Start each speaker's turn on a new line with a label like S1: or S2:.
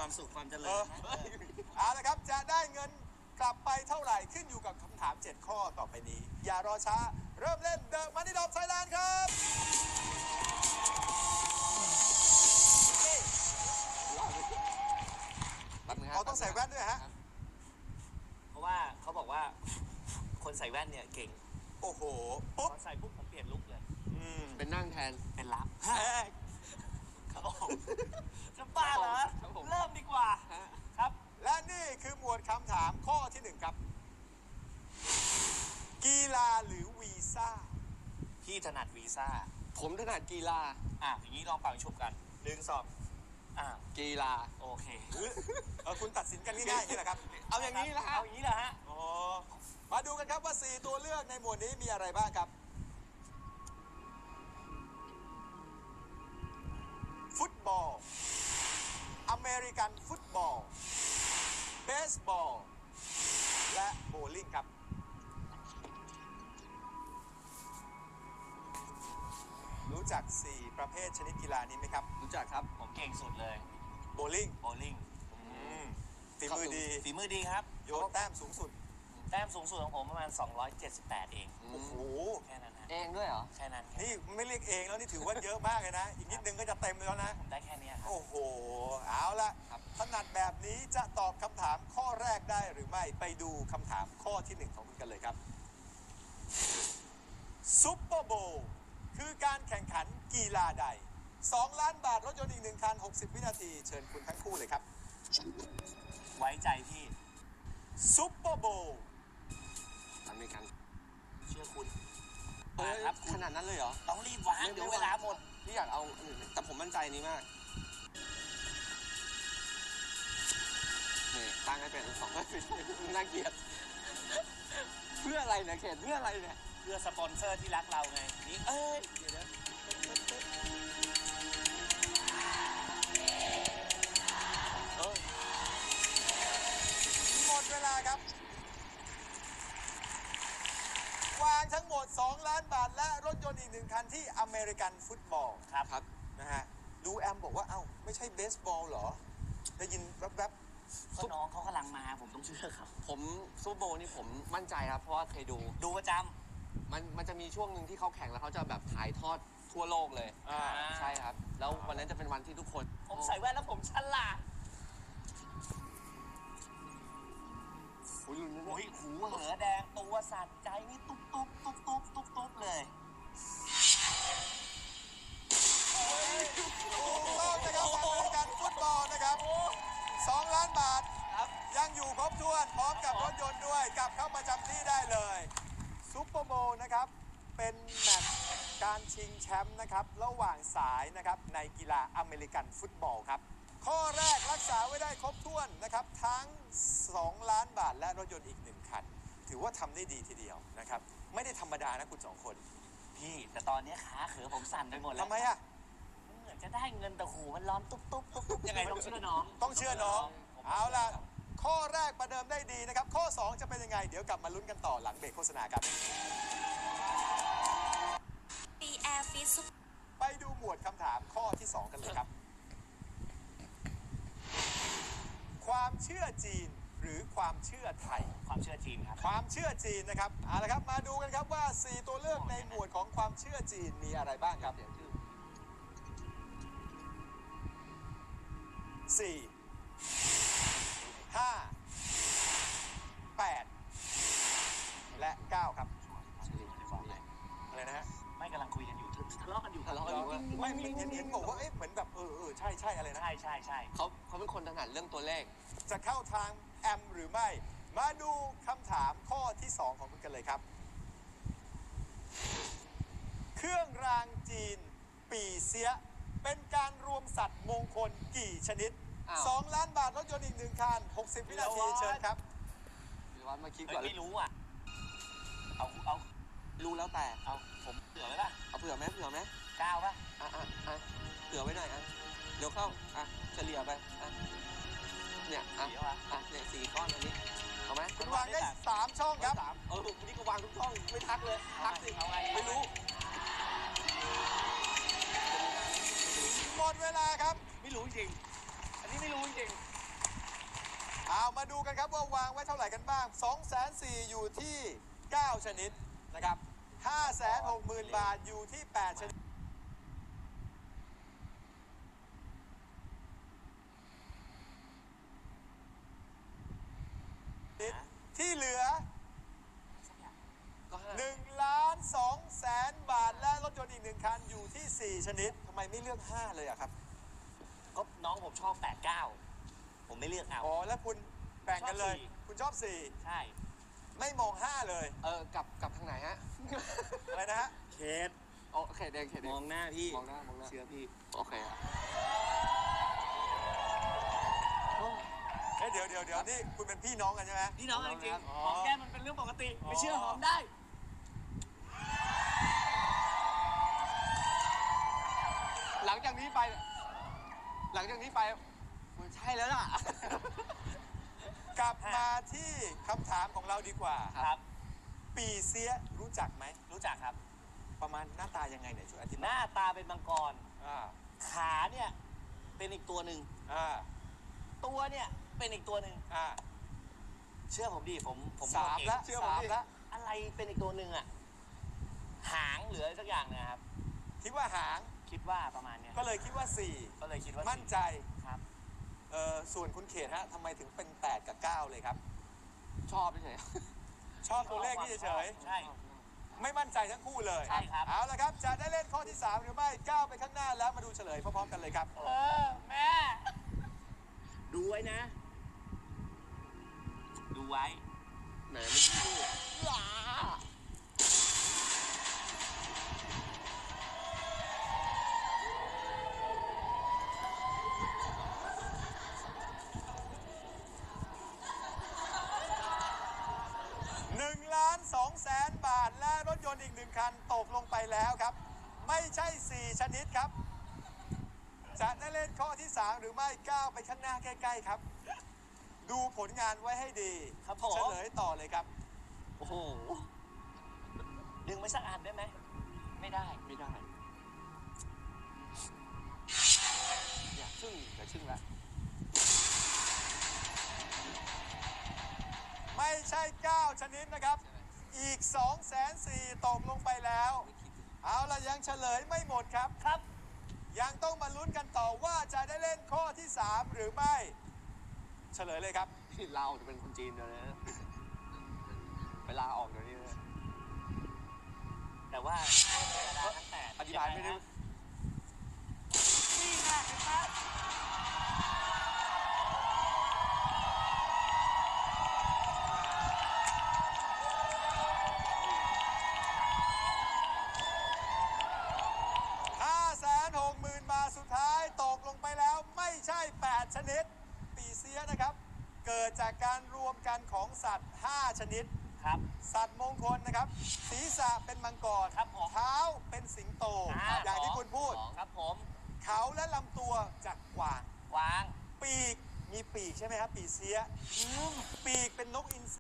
S1: ความสุขความเจริญนะ
S2: เอาละครับจะได้เงินกลับไปเท่าไหร่ขึ้นอยู่กับคำถาม7ข้อต่อไปนี้อย่ารอช้าเริ่มเล่นเดอะมันนี่ดอมไทยแลนด์ครับเขาต้องใส่แว่นด้วยฮะ
S1: เพราะว่าเขาบอกว่าคนใส่แว่นเนี่ยเก่ง
S2: โอ้โหปุ๊บ
S1: ใส่ปุ๊บผมเปลี่ยนลุคเลย
S3: เป็นนั่งแทน
S1: เป็นรับครับผมจะบ้าเหรอเริ่มดีกว่าครับ
S2: และนี่คือหมวดคำถามข้อที่1ครับกีฬาหรือวีซ่า
S1: พี่ถนัดวีซ่า
S3: ผมถนัดกีฬา
S1: อย่างนี้ลองเป่าชุบกัน1 2
S3: กีฬา
S1: โอเค
S2: คุณตัดสินกันง่ายๆนี่แหละครับ
S3: เอาอย่างนี้ละฮะ
S1: เอาอย่างนี้แหละฮะ
S2: มาดูกันครับว่า4ตัวเลือกในหมวดนี้มีอะไรบ้างครับฟุตบอลอเมริกันฟุตบอลเบสบอลและโบว์ลิ่งครับรู้จัก4ประเภทชนิดกีฬานี้ไหมครับ
S3: รู้จักครับ
S1: ผมเก่งสุดเลย
S2: โบว์ลิ่งฝีมือ
S1: ดีครับ
S2: โยนแต้มสูงสุด
S1: แต้มสูงสุดของผมประมาณ278เอง
S2: โอ้โห
S1: แค่นั้นนะ
S3: เองด้วยเหรอ
S1: แค่นั้น
S2: นี่ไม่เรียกเองแล้วนี่ถือว่าเยอะมากเลยนะอีกนิดนึงก็จะเต็มแล้วนะ
S1: ผมได้แค่นี้
S2: โอ้โหเอาละถนัดแบบนี้จะตอบคำถามข้อแรกได้หรือไม่ไปดูคำถามข้อที่1ของคุณกันเลยครับซุปเปอร์โบว์คือการแข่งขันกีฬาใด2 ล้านบาทรถยนต์อีก1 คัน60 วินาทีเชิญคุณทั้งคู่เลยครับ
S1: ไว้ใจพี่
S2: ซุปเปอร์โบว์
S3: อเมริกัน
S1: เชื่อคุณ
S3: ครับขนาดนั้นเลยเหรอ
S1: ต้องรีบวางเดี๋ยวเวลาหมด
S3: พี่อยากเอาแต่ผมมั่นใจนี้มากนี่ตั้งให้เป็น2ไม่เป็นน่าเกลียดเพื่ออะไรเนี่ยเขตเพื่ออะไรเนี่ย
S1: เพื่อสปอนเซอร์ที่รักเราไงนี่เดี๋ยวนะ
S2: หมดเวลาครับวางทั้งหมด2 ล้านบาทและรถยนต์อีก1 คันที่อเมริกันฟุตบอล
S1: ครับ
S2: นะฮะดูแอมบอกว่าเอ้าไม่ใช่เบสบอลเหรอได้ยินแว๊บ
S1: ๆน้องเขากำลังมาผมต้องเชื่อครับ
S3: ผมซูเปอร์โบว์นี่ผมมั่นใจครับเพราะว่าเคยดู
S1: ประจ
S3: ำมันจะมีช่วงหนึ่งที่เขาแข่งแล้วเขาจะแบบถ่ายทอดทั่วโลกเลยใช่ครับแล้ววันนั้นจะเป็นวันที่ทุกคน
S1: ผมใส่แว่นแล้วผมฉลาดหูเหนือแดงตัวสั่นใจนี่ตุ๊บเลย
S2: ถูกต้องนะครับอเมริกันฟุตบอลนะครับ2 ล้านบาทยังอยู่ครบถ้วนพร้อมกับรถยนต์ด้วยกลับเข้ามาจำที่ได้เลยซุปเปอร์โบว์นะครับเป็นแมตช์การชิงแชมป์นะครับระหว่างสายนะครับในกีฬาอเมริกันฟุตบอลครับข้อแรกรักษาไว้ได้ครบถ้วนนะครับทั้ง2 ล้านบาทและรถยนต์อีก1 คันถือว่าทำได้ดีทีเดียวนะครับไม่ได้ธรรมดานะคุณ2 คน
S1: พี่แต่ตอนนี้ขาเขือผมสั่นไปหมดแล้ว
S2: ทำไมอะ
S1: มันเหมือนจะได้เงินแต่หูมันร้อนตุ๊บยังไงต้องเชื่อน้อง
S2: เอาล่ะข้อแรกประเดิมได้ดีนะครับข้อ2จะเป็นยังไงเดี๋ยวกลับมาลุ้นกันต่อหลังเบรกโฆษณาครับไปดูหมวดคำถามข้อที่2กันเลยครับความเชื่อจีนหรือความเชื่อไทย
S1: ความเชื่อจีนครับ
S2: ความเชื่อจีนนะครับเอาละครับมาดูกันครับว่า4ตัวเลือกในหมวดของความเชื่อจีนมีอะไรบ้างครับ4 5 8และ9ครับอะไรนะฮะ
S1: ไม่กำลังคุยกันอยู่ทะเลาะกันอยู่
S2: ไม่เห็นบอกว่าเหมือนแบบใช่อะไรนะ
S1: ใช่
S3: เขาเป็นคนถนัดเรื่องตัวเลข
S2: จะเข้าทางแอมหรือไม่มาดูคำถามข้อที่2ของคุณกันเลยครับเครื่องรางจีนปีเสียเป็นการรวมสัตว์มงคลกี่ชนิด2 ล้านบาทรถยนต์อีก1 คัน60 วินาทีเชิญครับ
S3: ว่ามาคิดก่อน
S1: ไม่รู้อ่ะเอา
S3: รู้แล้วแต่
S1: ผมเผื่อไว้ป่ะ
S3: เอาเผื่อไหม
S1: 9ป่ะ
S3: เผื่อไว้หน่อยเดี๋ยวเข้าเฉลี่ยไปเนี่ยเนี่ย4 ก้อนอันนี้เอาไหม
S2: คุณวางได้3 ช่องครับ
S3: นี่ก็วางทุกช่องไม่ทักเลยทักสิ
S1: เอาไง
S3: ไม่รู้
S2: หมดเวลาครับ
S1: ไม่รู้จริงอันนี้ไม่รู้จริง
S2: เอามาดูกันครับว่าวางไว้เท่าไหร่กันบ้าง 240,000อยู่ที่ 9 ชนิดนะครับ 560,000 บาทอยู่ที่ 8 ชนิดที่เหลือ
S3: ก็ห้า
S2: 1,200,000 บาทและรถยนต์อีก1คันอยู่ที่ 4 ชนิดทำไมไม่เลือก 5 เลยอะครับ
S1: ก็น้องผมชอบ 89 ผมไม่เลือกเอา
S2: อ๋อ แล้วคุณแบ่งกันเลย
S1: ชอบ4
S2: คุณชอบ
S1: ใช่
S2: 4 ไม่มอง 5 เลย
S3: กลับทางไหนฮะ
S2: อะไรนะฮะ
S1: เคส
S3: โอเคเดง
S1: มองหน้าพี่
S3: มองหน้า
S1: เชื่อพี่
S3: โอเคอะ
S2: เฮ้ยเดี๋ยวนี่คุณเป็นพี่น้องกันใช่ไหม
S1: พี่น้องกันจริง
S2: อ๋อ
S1: ๆหอมแก้มมันเป็นเรื่องปกติ
S2: อ๋อ
S1: ไม่เชื่อหอมได้
S3: หลังจากนี้ไปมันใช่แล้วล่ะ
S2: กลับมาที่คำถามของเราดีกว่า
S1: ครับ
S2: ปีเสียรู้จักไหม
S1: รู้จักครับ
S2: ประมาณหน้าตายังไงเนี่ยช่วยอธิ
S1: ห
S2: บาย
S1: น้าตาเป็นมังกร
S2: อ่า
S1: ขาเนี่ยเป็นอีกตัวหนึ่ง
S2: อ่า
S1: ตัวเนี่ยเป็นอีกตัวหนึ่ง
S2: อ่า
S1: เชื่อผมดิผม
S2: สาม
S1: เก่ง
S2: ละเชื่อผมดิ
S1: อะไรเป็นอีกตัวหนึ่งอะหางหรืออะไรสักอย่างเนะครับ
S2: คิดว่าหาง
S1: คิดว่าประมาณเนี้ย
S2: ก็เลยคิดว่า
S1: ก็เลยคิดว่า
S2: 4 มั่นใจ
S1: ครับ
S2: ส่วนคุณเขตฮะทำไมถึงเป็น 8 กับ 9 เลยครับ
S3: ชอบเฉย
S2: ชอบตัวเลขนี่เฉย
S1: ใช่
S2: ๆไม่มั่นใจทั้งคู่เลย
S1: ใช่ครับ
S2: เอาละครับ จะได้เล่นข้อที่ 3 หรือไม่ก้าวไปข้างหน้าแล้วมาดูเฉลยพร้อมๆกันเลยครับ
S1: แม่ ดูไว้นะ ดูไว้
S3: ไหนมันพูด
S2: 1,200,000 บาทและรถยนต์อีก1คันตกลงไปแล้วครับ ไม่ใช่ 4 ชนิดครับ จะได้เล่นข้อที่ 3 หรือไม่ก้าวไปข้างหน้าใกล้ๆครับ ดูผลงานไว้ให้ดี
S1: ครับผม
S2: เฉลยต่อเลยครับ
S1: โอ้โห ดึงไปสักอันได้ไหม ไม่ได้
S3: ไม่ได้อยากชึ่งแล้ว
S2: ไม่ใช่ 9 ชนิดนะครับ อีก 240,000 ตกลงไปแล้ว เอาล่ะยังเฉลยไม่หมดครับ
S1: ครับ
S2: ยังต้องมาลุ้นกันต่อว่าจะได้เล่นข้อที่ 3 หรือไม่ เฉลยเลยครับ
S3: ที่เราจะเป็นคนจีนเดี๋ยวนี้นะเวลาออกเดี๋ยวนี้เลย
S1: แต่ว่าทั้งแต่
S3: อธิบายไม่ได้
S1: นี่ค่ะเห็นไหม
S2: 560,000 บาทสุดท้ายตกลงไปแล้วไม่ใช่ 8 ชนิด ปีเสียนะครับ เกิดจากการรวมกันของสัตว์ 5 ชนิด
S1: ครับ
S2: สัตว์มงคลนะครับ ศีรษะเป็นมังกร
S1: ครับผม
S2: เท้าเป็นสิงโต
S1: อ่า
S2: อย่างที่คุณพูด
S1: ครับผม
S2: เขาและลำตัวจากกวาง
S1: วาง
S2: ปีกมีปีกใช่ไหมครับ ปีเสีย ปีกเป็นนกอินทรี